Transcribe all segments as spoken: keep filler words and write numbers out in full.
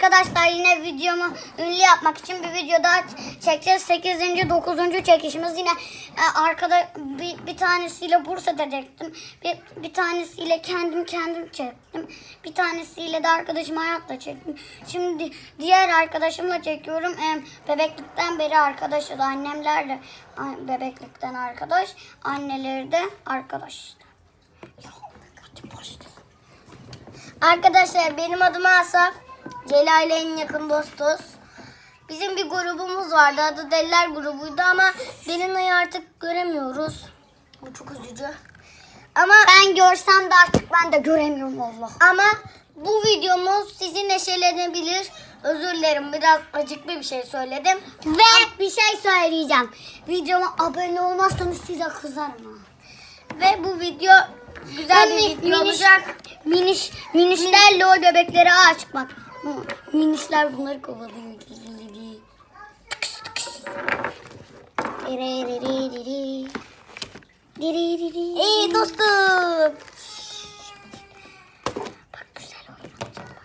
Arkadaşlar yine videomu ünlü yapmak için bir video daha çekeceğiz. sekizinci dokuzuncu çekişimiz. Yine e, arkada bir, bir tanesiyle Bursa'da çektim. Bir, bir tanesiyle kendim kendim çektim. Bir tanesiyle de arkadaşım Hayat'la çektim. Şimdi diğer arkadaşımla çekiyorum. E, bebeklikten beri arkadaşız. Annemlerle a- bebeklikten arkadaş. Anneleri de arkadaş. Ya, hadi başlayalım. Arkadaşlar benim adım Asaf. Cela ile en yakın dostuz. Bizim bir grubumuz vardı. Adı Deliler grubuydu ama Belina'yı artık göremiyoruz. Bu çok üzücü. Ama ben görsem de artık ben de göremiyorum Allah. Ama bu videomuz sizi neşelenebilir. Özür dilerim, biraz acıklı bir şey söyledim. Ve bir şey söyleyeceğim. Videoma abone olmazsanız size kızarım ha. Ve bu video güzel bir video miniş, olacak. Miniş, minişler lol bebekleri ağa çıkmak. Minişler bunları kovalıyor. Ey dostum. Bak güzel oynayacağım.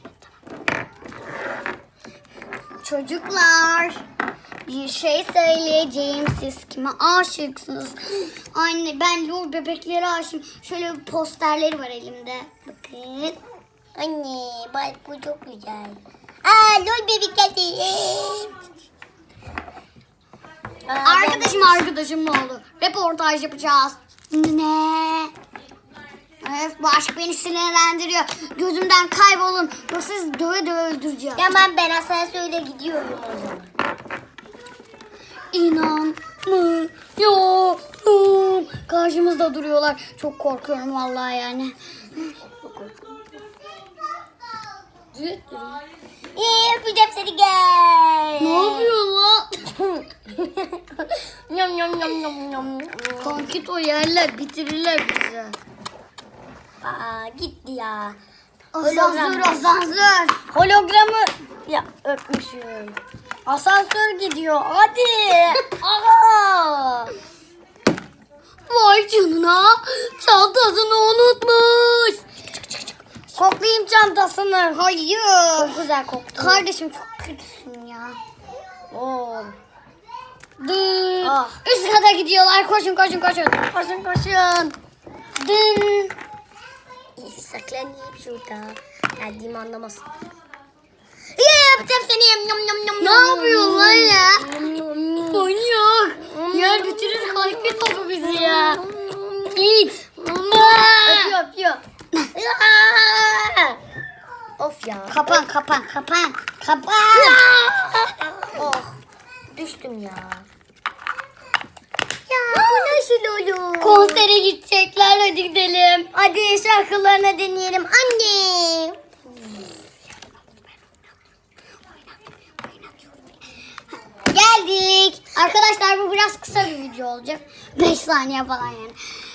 Çocuklar, bir şey söyleyeceğim. Siz kime aşıksınız? Anne, ben lol bebeklere aşığım. Şöyle bir posterleri var elimde. Bakın. Anne bak bu çok güzel. Aa lol bebek geldi. Arkadaşım arkadaşım ne oldu? Reportaj yapacağız. Ne? Evet, bu aşk beni sinirlendiriyor. Gözümden kaybolun. Yoksa sizi döve döve öldüreceğim. Tamam, ben asansörle gidiyorum o zaman. İnanmıyorum. Karşımızda duruyorlar. Çok korkuyorum vallahi yani. İyi, öpeceğim seni, gel. Ne yapıyorsun lan? Yum yum yum yum yum. Kankit o yerler bitirirler bizi. Aa gitti ya. Asansör asansör. Hologramı ya öpmüşüm. Asansör gidiyor hadi. Aha. Vay canına, çantasını unutmuş. Koklayayım çantasını. Hayır. Çok güzel koktu. Kardeşim çok kötüsün ya. Oo. Dın. Ah. Üst kata gidiyorlar. Koşun koşun koşun. Koşun koşun. Dın. Saklanayım şurada. Geldiğimi anlamasın. Ya yapacağım seni. Yum yum yum. Ne yapıyorsun lan ya? Manyak. Yer bitirir kalkın topu bizi ya. Git. Öpüyor öpüyor. Of ya. Kapan kapan kapan. Kapan. Oh. Düştüm ya. Ya bu nasıl olur? Konsere gidecekler, hadi gidelim. Hadi şarkılarını deneyelim anne. Geldik. Arkadaşlar bu biraz kısa bir video olacak. beş saniye falan yani.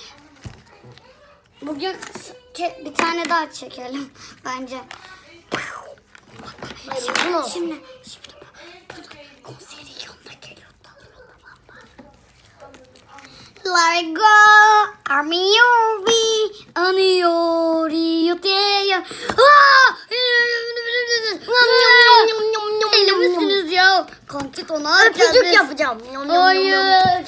Bugün bir tane daha çekelim bence. Şimdi, şimdi, şimdi konserin yanına geliyor. Let go, armiyovi, aniyori, yoteya. Deli misiniz ya? Kantit ona öpücük yapacağım. Hayır.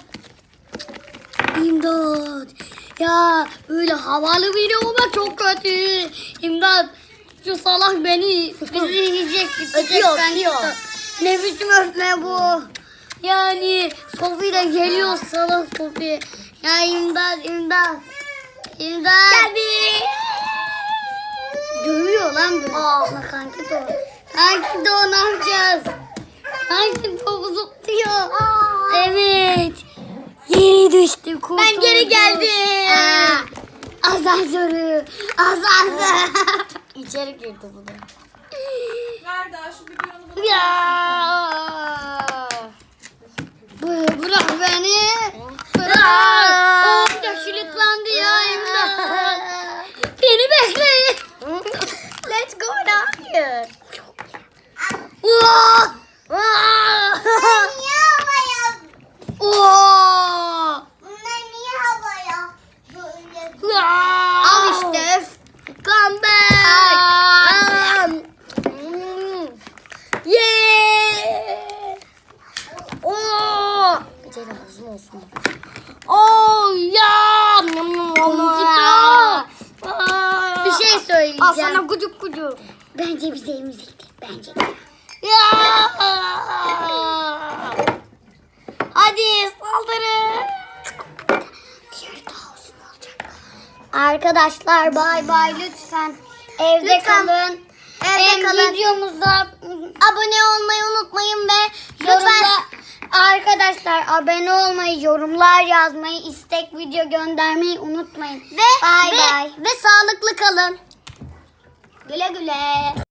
İmdat. Ya böyle havalı biri olmak çok kötü. İmdat. Şu salak beni bizi yiyecek. Öpüyor öpüyor. Ne biçim öpme bu. Yani Sofi de geliyor salak Sofi. Ya imdat imdat. İmdat. Geldi. Dövüyor lan böyle. Ah kanki de o. Kanki de o, ne yapacağız? Kanki topu zıplıyor. Evet. Geri düştü. Kurtuldu. Ben geri geldim. Aa, asansörü. Asansör. İçeri girdi bu da. Nerede? Şu videonu bana. Ya. Bu- Bırak beni. Bırak. Oh da kilitlendi ya. İmdat. Beni bekleyin. Let's go down here. Wow. Bunlar niye havaya? Wow. Bunlar niye havaya? Böyle. Al işte. Come back. yiyorsunuz. Oh ya. Bir şey söyleyeceğim. Al sana kucuk kucuk. Bence bize emziktir. Bence de. Ya. Hadi saldırın. Diğeri daha uzun olacak. Arkadaşlar bay bay lütfen. Evde Lütfen. kalın. Evde Em, kalın. Videomuza Abone olmayı unutmayın ve lütfen lütfen arkadaşlar abone olmayı, yorumlar yazmayı, istek video göndermeyi unutmayın. ve Bay ve, bay. ve sağlıklı kalın. Güle güle.